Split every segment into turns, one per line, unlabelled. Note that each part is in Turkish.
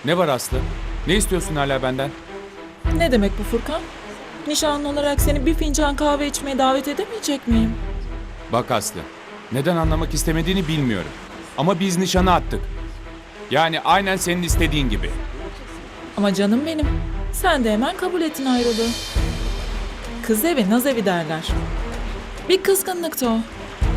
Ne var Aslı? Ne istiyorsun hala benden?
Ne demek bu Furkan? Nişanlı olarak seni bir fincan kahve içmeye davet edemeyecek miyim?
Bak Aslı, neden anlamak istemediğini bilmiyorum. Ama biz nişanı attık. Yani aynen senin istediğin gibi.
Ama canım benim, sen de hemen kabul ettin ayrılığı. Kız evi naz evi derler. Bir kızgınlıktı o.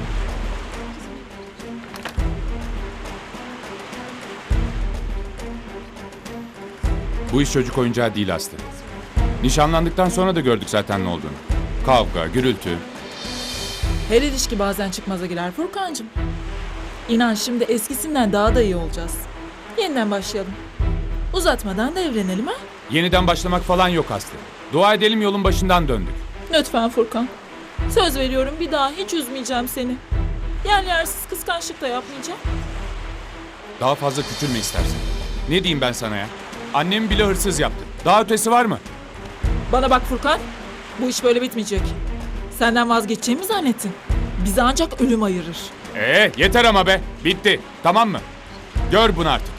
Bu iş çocuk oyuncağı değil Aslı. Nişanlandıktan sonra da gördük zaten ne olduğunu. Kavga, gürültü.
Her ilişki bazen çıkmaza girer Furkancığım. İnan şimdi eskisinden daha da iyi olacağız. Yeniden başlayalım. Uzatmadan da evlenelim ha?
Yeniden başlamak falan yok Aslı. Dua edelim yolun başından döndük.
Lütfen Furkan. Söz veriyorum bir daha hiç üzmeyeceğim seni. Yersiz kıskançlık da yapmayacağım.
Daha fazla küçülme istersen. Ne diyeyim ben sana ya? Annemi bile hırsız yaptı. Daha ötesi var mı?
Bana bak Furkan. Bu iş böyle bitmeyecek. Senden vazgeçeceğimi zannettin. Bizi ancak ölüm ayırır.
Yeter ama be. Bitti. Tamam mı? Gör bunu artık.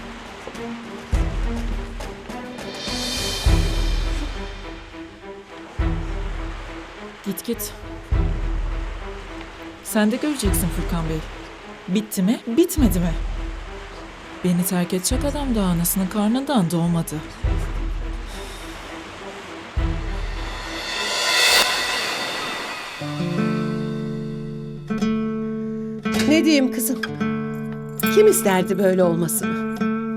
Git git. Sen de göreceksin Furkan Bey. Bitti mi, bitmedi mi? Beni terk edecek adam da anasının karnından doğmadı.
Ne diyeyim kızım? Kim isterdi böyle olmasını?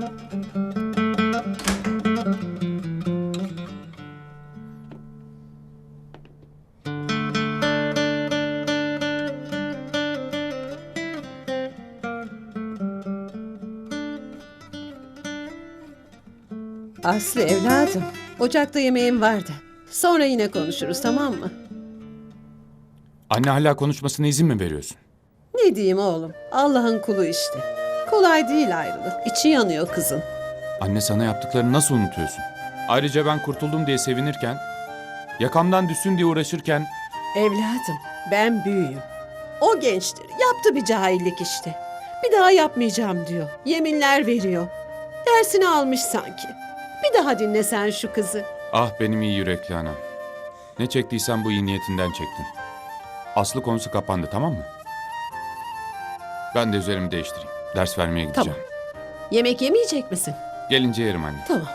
Aslı evladım, ocakta yemeğim vardı. Sonra yine konuşuruz, tamam mı?
Anne hala konuşmasına izin mi veriyorsun?
Ne diyeyim oğlum? Allah'ın kulu işte. Kolay değil ayrılık. İçi yanıyor kızın.
Anne sana yaptıklarını nasıl unutuyorsun? Ayrıca ben kurtuldum diye sevinirken, yakamdan düşsün diye uğraşırken...
Evladım, ben büyüğüm. O gençtir. Yaptı bir cahillik işte. Bir daha yapmayacağım diyor. Yeminler veriyor. Dersini almış sanki. Bir daha dinle sen şu kızı.
Ah benim iyi yürekli anam. Ne çektiysen bu iyi niyetinden çektin. Aslı konusu kapandı, tamam mı? Ben de üzerimi değiştireyim. Ders vermeye gideceğim.
Tamam. Yemek yemeyecek misin?
Gelince yerim anne.
Tamam.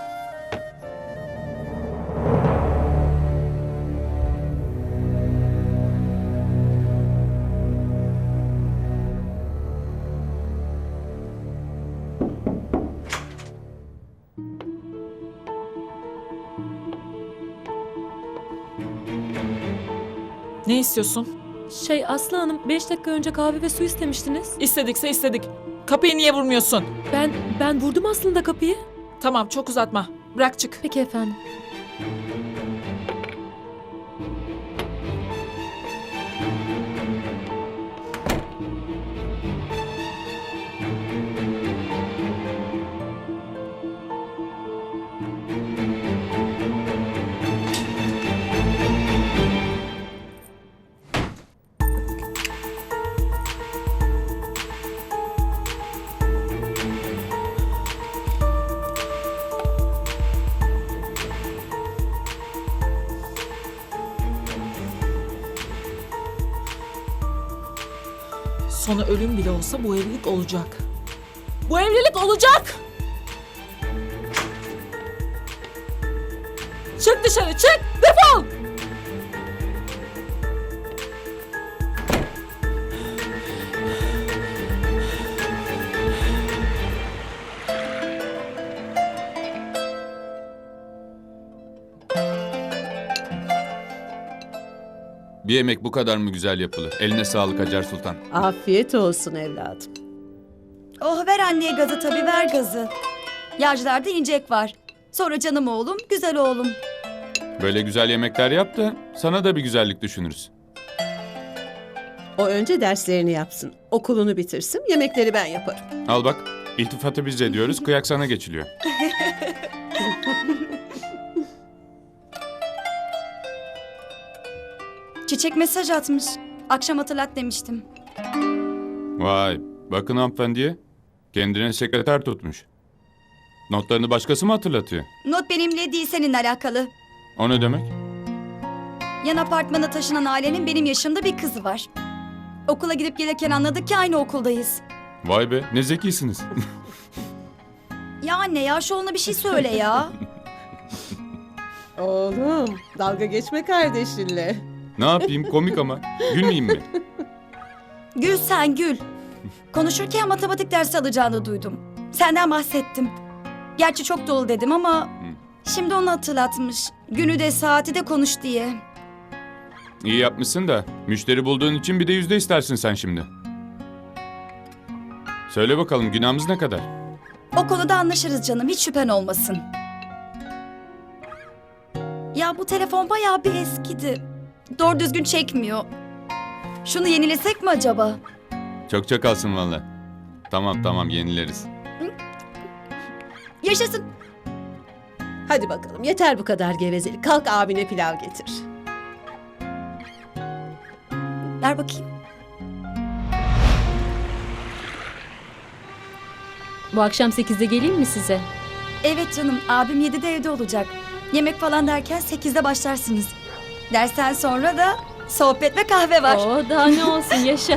Ne istiyorsun?
Aslı Hanım 5 dakika önce kahve ve su istemiştiniz.
İstedikse istedik. Kapıyı niye vurmuyorsun?
Ben vurdum aslında kapıyı.
Tamam çok uzatma. Bırak çık.
Peki efendim.
Sonu ölüm bile olsa bu evlilik olacak. Bu evlilik olacak! Çık dışarı çık! Defol!
Bir yemek bu kadar mı güzel yapılır? Eline sağlık Hacer Sultan.
Afiyet olsun evladım.
Oh ver anneye gazı tabii ver gazı. Yağcılarda incek var. Sonra canım oğlum, güzel oğlum.
Böyle güzel yemekler yap da sana da bir güzellik düşünürüz.
O önce derslerini yapsın. Okulunu bitirsin. Yemekleri ben yaparım.
Al bak, iltifatı biz ediyoruz, kıyak sana geçiliyor.
Çiçek mesaj atmış. Akşam hatırlat demiştim.
Vay, bakın hanımefendiye. Kendine sekreter tutmuş. Notlarını başkası mı hatırlatıyor?
Not benimle değil seninle alakalı.
O ne demek?
Yan apartmana taşınan ailenin benim yaşımda bir kızı var. Okula gidip gelirken anladık ki aynı okuldayız.
Vay be, ne zekisiniz.
Ya anne ya şu ona bir şey söyle ya.
Oğlum, dalga geçme kardeşinle.
Ne yapayım, komik ama. Gülmeyeyim mi?
Gül sen gül. Konuşurken matematik dersi alacağını duydum. Senden bahsettim. Gerçi çok dolu dedim ama şimdi onu hatırlatmış. Günü de saati de konuş diye.
İyi yapmışsın da, müşteri bulduğun için bir de yüzde istersin sen şimdi. Söyle bakalım, günahımız ne kadar?
O konuda anlaşırız canım, hiç şüphen olmasın. Ya bu telefon bayağı bir eskidi. Doğru düzgün çekmiyor. Şunu yenilesek mi acaba?
Çok kalsın valla. Tamam, yenileriz.
Yaşasın.
Hadi bakalım, yeter bu kadar gevezelik. Kalk abine pilav getir.
Ver bakayım.
Bu akşam 8'de geleyim mi size?
Evet canım, abim 7'de evde olacak. Yemek falan derken 8'de başlarsınız. Dersten sonra da sohbet ve kahve var.
Oo, daha ne olsun yaşa.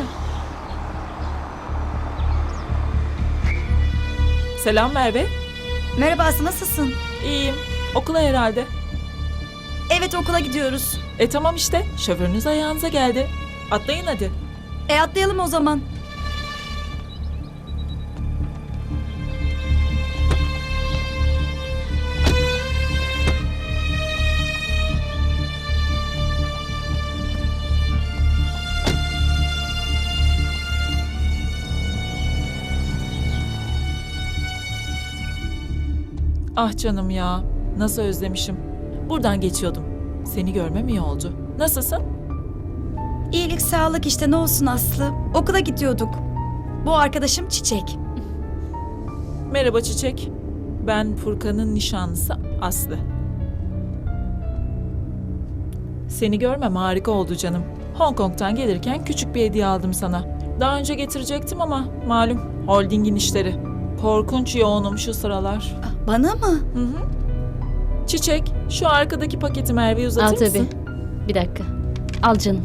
Selam Merve.
Merhaba Aslı, nasılsın?
İyiyim. Okula herhalde.
Evet, okula gidiyoruz.
Tamam işte. Şoförünüz ayağınıza geldi. Atlayın hadi.
Atlayalım o zaman.
Ah canım ya. Nasıl özlemişim. Buradan geçiyordum. Seni görmem iyi oldu. Nasılsın?
İyilik, sağlık işte, ne olsun Aslı. Okula gidiyorduk. Bu arkadaşım Çiçek.
Merhaba Çiçek. Ben Furkan'ın nişanlısı Aslı. Seni görmem harika oldu canım. Hong Kong'tan gelirken küçük bir hediye aldım sana. Daha önce getirecektim ama malum holdingin işleri. Korkunç yoğunum şu sıralar.
Bana mı?
Hı hı. Çiçek, şu arkadaki paketi Merve'ye uzatır
Al
mısın?
tabii. Bir dakika. Al canım.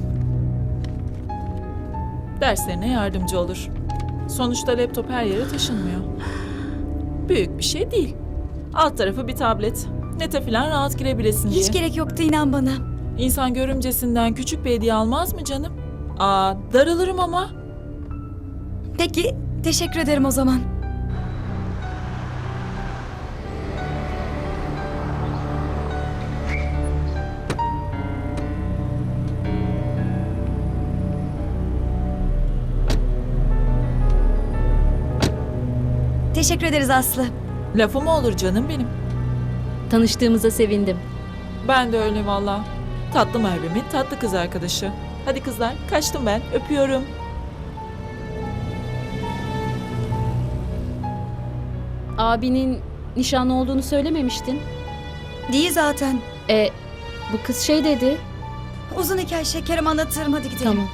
Derslerine yardımcı olur. Sonuçta laptop her yere taşınmıyor. Büyük bir şey değil. Alt tarafı bir tablet. Nete falan rahat girebilesin diye.
Hiç gerek yoktu, inan bana.
İnsan görümcesinden küçük bir hediye almaz mı canım? Aa, darılırım ama.
Peki, teşekkür ederim o zaman. Teşekkür ederiz Aslı.
Lafı mı olur canım benim?
Tanıştığımıza sevindim.
Ben de öyle valla. Tatlı Merve'min tatlı kız arkadaşı. Hadi kızlar, kaçtım ben. Öpüyorum.
Abinin nişanlı olduğunu söylememiştin.
Değil zaten.
Bu kız şey dedi.
Uzun hikaye, şekerim, anlatırım, hadi gidelim.
Tamam.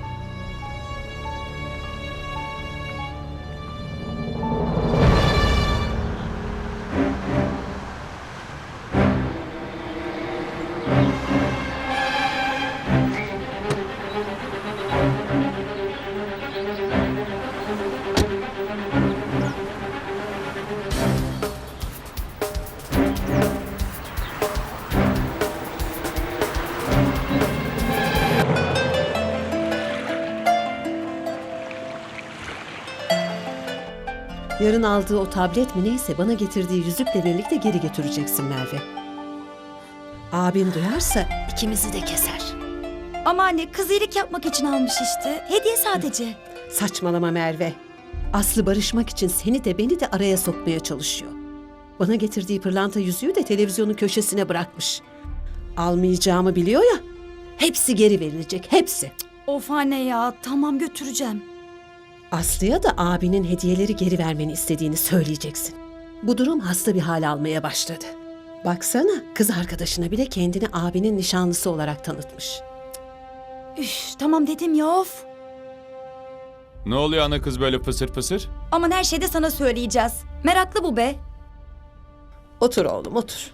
Yarın aldığı o tablet mi neyse bana getirdiği yüzükle birlikte geri götüreceksin Merve. Abim duyarsa ikimizi de keser.
Ama anne, kız iyilik yapmak için almış işte. Hediye sadece.
Saçmalama Merve. Aslı barışmak için seni de beni de araya sokmaya çalışıyor. Bana getirdiği pırlanta yüzüğü de televizyonun köşesine bırakmış. Almayacağımı biliyor ya. Hepsi geri verilecek, hepsi.
Of anne ya, tamam götüreceğim.
Aslı'ya da abinin hediyeleri geri vermeni istediğini söyleyeceksin. Bu durum hasta bir hal almaya başladı. Baksana, kız arkadaşına bile kendini abinin nişanlısı olarak tanıtmış.
Üf, tamam dedim ya, of.
Ne oluyor ana kız böyle fısır fısır?
Aman her şeyde sana söyleyeceğiz. Meraklı bu be.
Otur oğlum otur.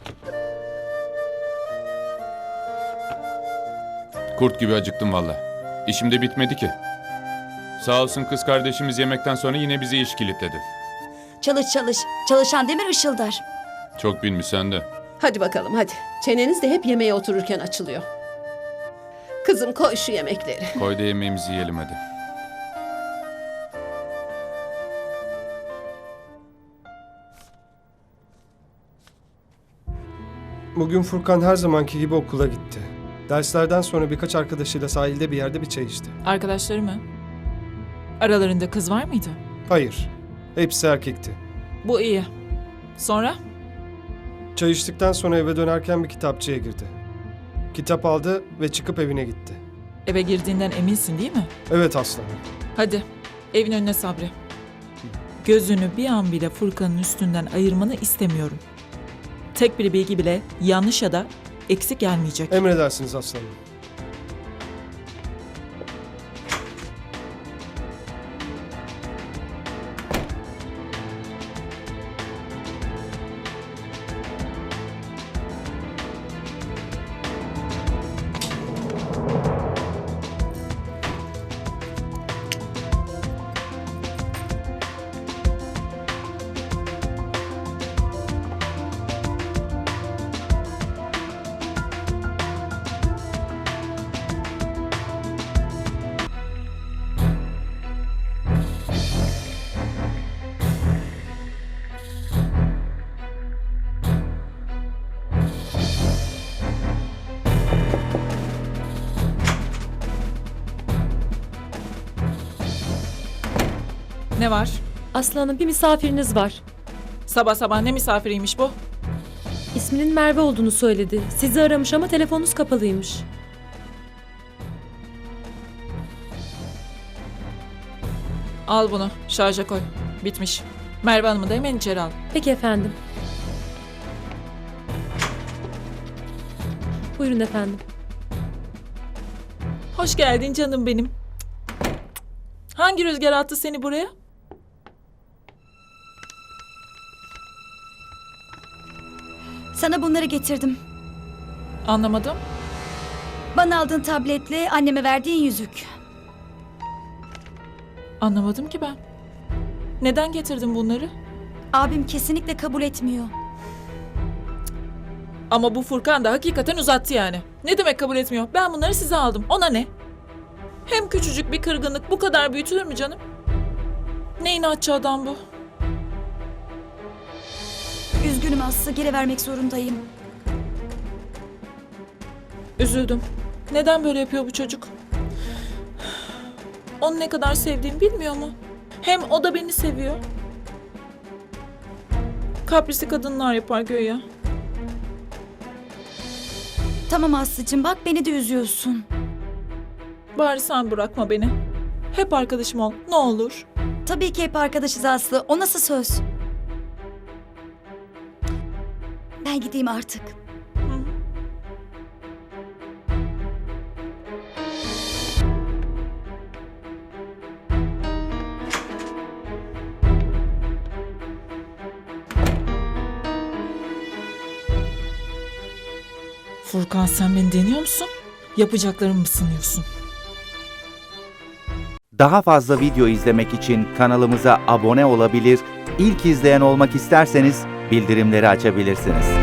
Kurt gibi acıktım valla. İşim de bitmedi ki. Sağ olsun kız kardeşimiz yemekten sonra yine bizi iş kilitledi.
Çalış çalış. Çalışan demir ışıldar.
Çok bilmiş sen de.
Hadi bakalım hadi. Çeneniz de hep yemeğe otururken açılıyor. Kızım koy şu yemekleri.
Koy da yemeğimizi yiyelim hadi.
Bugün Furkan her zamanki gibi okula gitti. Derslerden sonra birkaç arkadaşıyla sahilde bir yerde bir çay içti.
Arkadaşları mı? Aralarında kız var mıydı?
Hayır, hepsi erkekti.
Bu iyi. Sonra?
Çay içtikten sonra eve dönerken bir kitapçıya girdi. Kitap aldı ve çıkıp evine gitti.
Eve girdiğinden eminsin değil mi?
Evet aslanım.
Hadi evin önüne Sabri. Gözünü bir an bile Furkan'ın üstünden ayırmanı istemiyorum. Tek bir bilgi bile yanlış ya da eksik gelmeyecek.
Emredersiniz aslanım.
Ne var?
Aslı Hanım, bir misafiriniz var.
Sabah sabah ne misafiriymiş bu?
İsminin Merve olduğunu söyledi. Sizi aramış ama telefonunuz kapalıymış.
Al bunu şarja koy. Bitmiş. Merve Hanım'ı da hemen içeri al.
Peki efendim. Buyurun efendim.
Hoş geldin canım benim. Hangi rüzgar attı seni buraya?
Sana bunları getirdim.
Anlamadım.
Bana aldığın tabletle anneme verdiğin yüzük.
Anlamadım ki ben. Neden getirdin bunları?
Abim kesinlikle kabul etmiyor.
Ama bu Furkan da hakikaten uzattı yani. Ne demek kabul etmiyor? Ben bunları size aldım. Ona ne? Hem küçücük bir kırgınlık bu kadar büyütülür mü canım? Ne inatçı adam bu?
Üzgünüm Aslı, geri vermek zorundayım.
Üzüldüm. Neden böyle yapıyor bu çocuk? Onu ne kadar sevdiğimi bilmiyor mu? Hem o da beni seviyor. Kaprisli kadınlar yapar göğe.
Tamam Aslı'cığım, bak beni de üzüyorsun.
Bari sen bırakma beni. Hep arkadaşım ol. Ne olur.
Tabii ki hep arkadaşız Aslı. O nasıl söz? Ben gideyim artık.
Furkan sen beni deniyor musun? Yapacaklarımı mı sınıyorsun?
Daha fazla video izlemek için kanalımıza abone olabilir, ilk izleyen olmak isterseniz bildirimleri açabilirsiniz.